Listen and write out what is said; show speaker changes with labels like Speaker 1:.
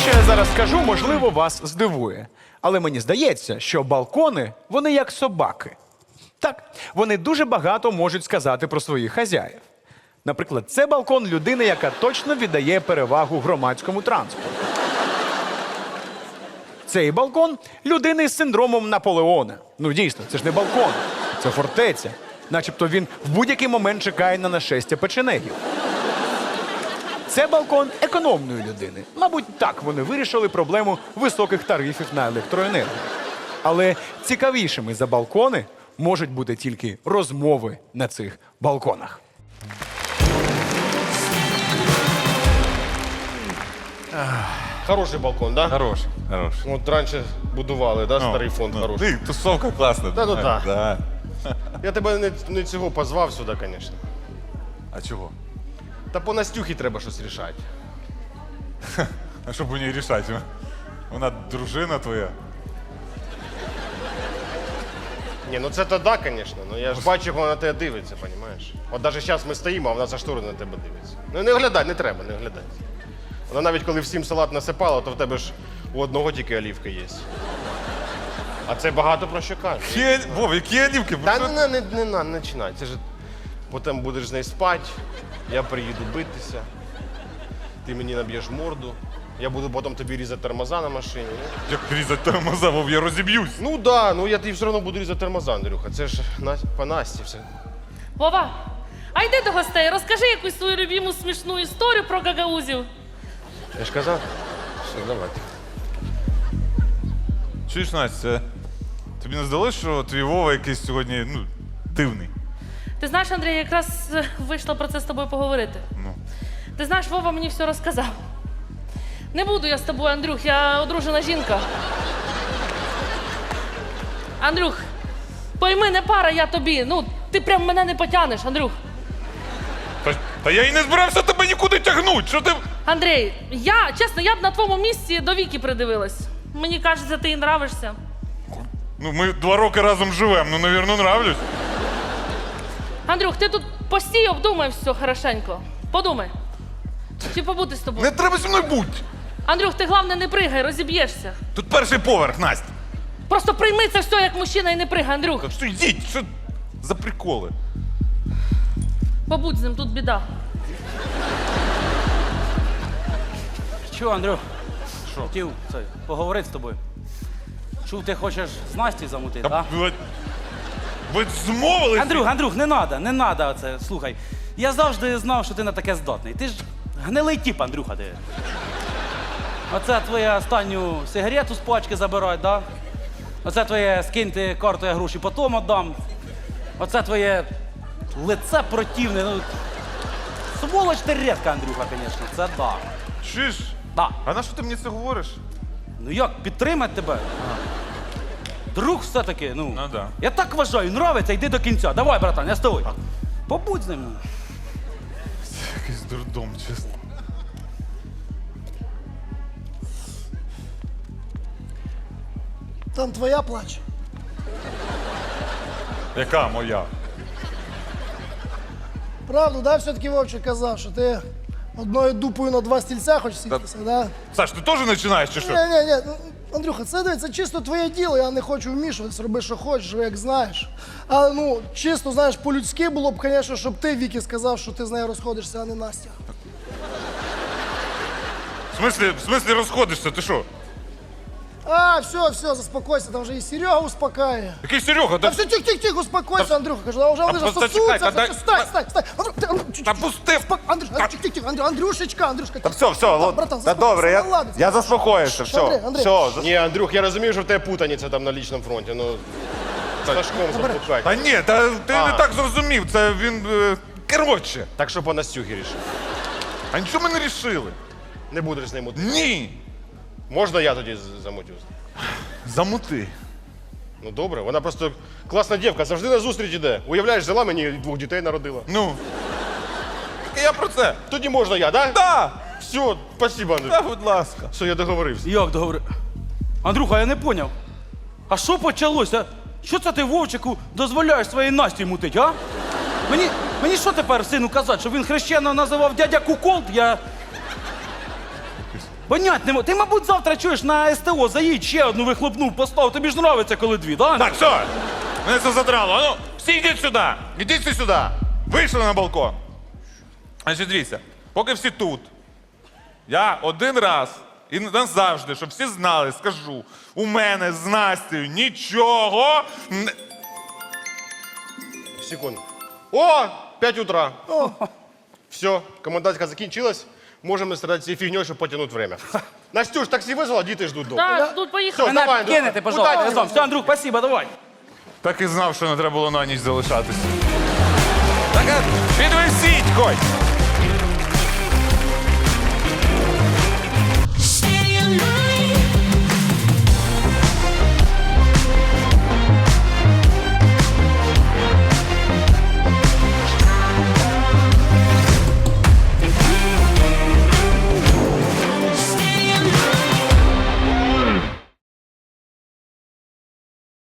Speaker 1: що я зараз скажу, можливо, вас здивує. Але мені здається, що балкони, вони як собаки. Так, вони дуже багато можуть сказати про своїх хазяїв. Наприклад, це балкон людини, яка точно віддає перевагу громадському транспорту. Цей балкон людини з синдромом Наполеона. Ну дійсно, це ж не балкон, це фортеця. Начебто він в будь-який момент чекає на нашестя печенегів. Це балкон економної людини. Мабуть, так вони вирішили проблему високих тарифів на електроенергію. Але цікавішими за балкони можуть бути тільки розмови на цих балконах.
Speaker 2: Хороший балкон, да?
Speaker 3: Хорош, хорош.
Speaker 2: От раніше будували, да, старий фонд хороший.
Speaker 3: Ти, тусовка класна.
Speaker 2: Та ну так.
Speaker 3: Да.
Speaker 2: Я тебе не цього позвав сюди, звісно.
Speaker 3: А чого?
Speaker 2: Та по Настюхі треба щось рішати.
Speaker 3: А що б у ній рішати? Вона дружина твоя.
Speaker 2: Ні, ну це то да, звісно. Ну я ж бачу, як вона на тебе дивиться, розумієш? От навіть зараз ми стоїмо, а вона за штори на тебе дивиться. Ну не оглядай, не треба, не оглядай. Вона навіть коли всім салат насипала, то в тебе ж у одного тільки олівки є. А це багато про що каже.
Speaker 3: Вов, які олівки?
Speaker 2: Та не починай. Це ж потім будеш з нею спати, я приїду битися, ти мені наб'єш морду, я буду потім тобі різати тормоза на машині.
Speaker 3: Як різати тормоза, Вов, я розіб'юсь.
Speaker 2: Ну да, ну я тобі все одно буду різати тормоза, Андрюха. Це ж по Насті все.
Speaker 4: Вова, а йди до гостей, розкажи якусь свою любиму смішну історію про гагаузів.
Speaker 2: Я ж казав? Все, давайте.
Speaker 3: Чуєш, Настя, тобі не здалося, що твій Вова якийсь сьогодні, дивний?
Speaker 4: Ти знаєш, Андрій, якраз вийшла про це з тобою поговорити.
Speaker 3: Ну.
Speaker 4: Ти знаєш, Вова мені все розказав. Не буду я з тобою, Андрюх, я одружена жінка. Андрюх, пойми, не пара я тобі. Ну, ти прям мене не потягнеш, Андрюх.
Speaker 3: Та я і не збирався тебе нікуди тягнути, що ти...
Speaker 4: Андрій, чесно, я б на твоєму місці до Віки придивилась. Мені кажеться, ти їй нравишся.
Speaker 3: Ну, ми 2 роки разом живемо, навірно, нравлюсь.
Speaker 4: Андрюх, ти тут постій, обдумай все хорошенько. Подумай. Чи побути з тобою?
Speaker 3: Не треба зі мною бути.
Speaker 4: Андрюх, ти головне не пригай, розіб'єшся.
Speaker 3: Тут перший поверх, Настя.
Speaker 4: Просто прийми це все як мужчина і не пригай, Андрюх.
Speaker 3: Так що йдіть, що за приколи?
Speaker 4: Побудь з ним, тут біда.
Speaker 5: Чого, Андрюх?
Speaker 3: Що?
Speaker 5: Хотів поговорити з тобою. Чув, ти хочеш з Настю замутити, так?
Speaker 3: Ви змовились?
Speaker 5: Андрюх, не надо оце. Слухай, я завжди знав, що ти на таке здатний. Ти ж гнилий тіп, Андрюха, ти. Оце твоя останню сигарету з пачки забирать, да? Оце твоє скиньте карту, я гроші потім віддам. Оце твоє лице противне. Ну, сволоч ти рідка, Андрюха, звісно, це да.
Speaker 3: Чуєш?
Speaker 5: Да.
Speaker 3: А на що ти мені це говориш?
Speaker 5: Ну як, підтримати тебе? Друг все-таки,
Speaker 3: Ну, да.
Speaker 5: Я так вважаю, нравиться, йди до кінця. Давай, братан, я з тобою. Побудь з ним.
Speaker 3: Якийсь дурдом, чесно.
Speaker 6: Там твоя плаче.
Speaker 3: Яка моя?
Speaker 6: Правду, да, все-таки Вовчик казав, що ти одною дупою на 2 стільця хочеш сітися, да?
Speaker 3: Саш, ти теж починаєш чи що?
Speaker 6: Ні, Андрюха, це чисто твоє діло, я не хочу вмішуватися, роби, що хочеш, живи, як знаєш. Але, чисто, знаєш, по-людськи було б, звісно, щоб ти Вікі сказав, що ти з нею розходишся, а не Настя.
Speaker 3: В смислі розходишся, ти що?
Speaker 6: А, все, заспокойся, там вже і Серега успокаює.
Speaker 3: Який Серега?
Speaker 6: Та все, тихо, успокойся, Андрюха, кажу, а вже вони ж
Speaker 3: просто
Speaker 6: сосуться,
Speaker 3: чекай, та
Speaker 6: Стай.
Speaker 3: Та пусти!
Speaker 6: Андрюшечка.
Speaker 7: Та все,
Speaker 6: братан,
Speaker 7: та добре, я заспокоївся, все.
Speaker 6: Андрій.
Speaker 7: Все,
Speaker 2: Ні, Андрюх, я розумію, що в тебе путаниця там на лічному фронті, ну... Сашком запукай.
Speaker 3: Та ні, ти не так зрозумів, це він... Коротше.
Speaker 2: Так що по Настюхі рішив.
Speaker 3: А нічого ми не рішили.
Speaker 2: Не будеш з ним мутити.
Speaker 3: Ні.
Speaker 2: Можна я тоді замутю?
Speaker 3: Замути.
Speaker 2: Ну добре, вона просто класна дівка, завжди на зустріч іде. Уявляєш, взяла мені і 2 дітей народила.
Speaker 3: Ну. Так я про це.
Speaker 2: Тоді можна я, да?
Speaker 3: Да.
Speaker 2: Все, спасибо, Андрюх.
Speaker 3: Та, будь ласка.
Speaker 2: Все, я договорився.
Speaker 5: Як договори? Андрюха, я не поняв. А що почалося? Що це ти Вовчику дозволяєш своїй Насті мутить, а? Мені що тепер сину казати, що він хрещено називав дядя Куколд?
Speaker 3: якось.
Speaker 5: Понять не можу. Ти, мабуть, завтра чуєш на СТО, заїдь, ще одну вихлопнув, постав. Тобі ж нравиться, коли дві, да?
Speaker 3: Так, все. Мене це задрало. А ну, всі йдіть сюди. Ідіть всі сюди. Вийшли на балкон. Значить, дивіться, поки всі тут, я один раз і назавжди, щоб всі знали, скажу, у мене з Настею нічого не...
Speaker 2: Секунду. О, 5 утра. Все, комендантська закінчилась. Можемо страдати цією фігньою, щоб потягнути время. Настюш, таксі визвала, діти ждуть дома.
Speaker 4: Так, тут поїхали.
Speaker 2: Все, давай,
Speaker 5: Мене кинете,
Speaker 2: Андрюха.
Speaker 5: пожалуйста,
Speaker 2: Удачі.
Speaker 5: разом. Все, Андрюх, спасибо, давай.
Speaker 3: Так і знав, що не треба було на ніч залишатися. Так, підвезіть, Коть!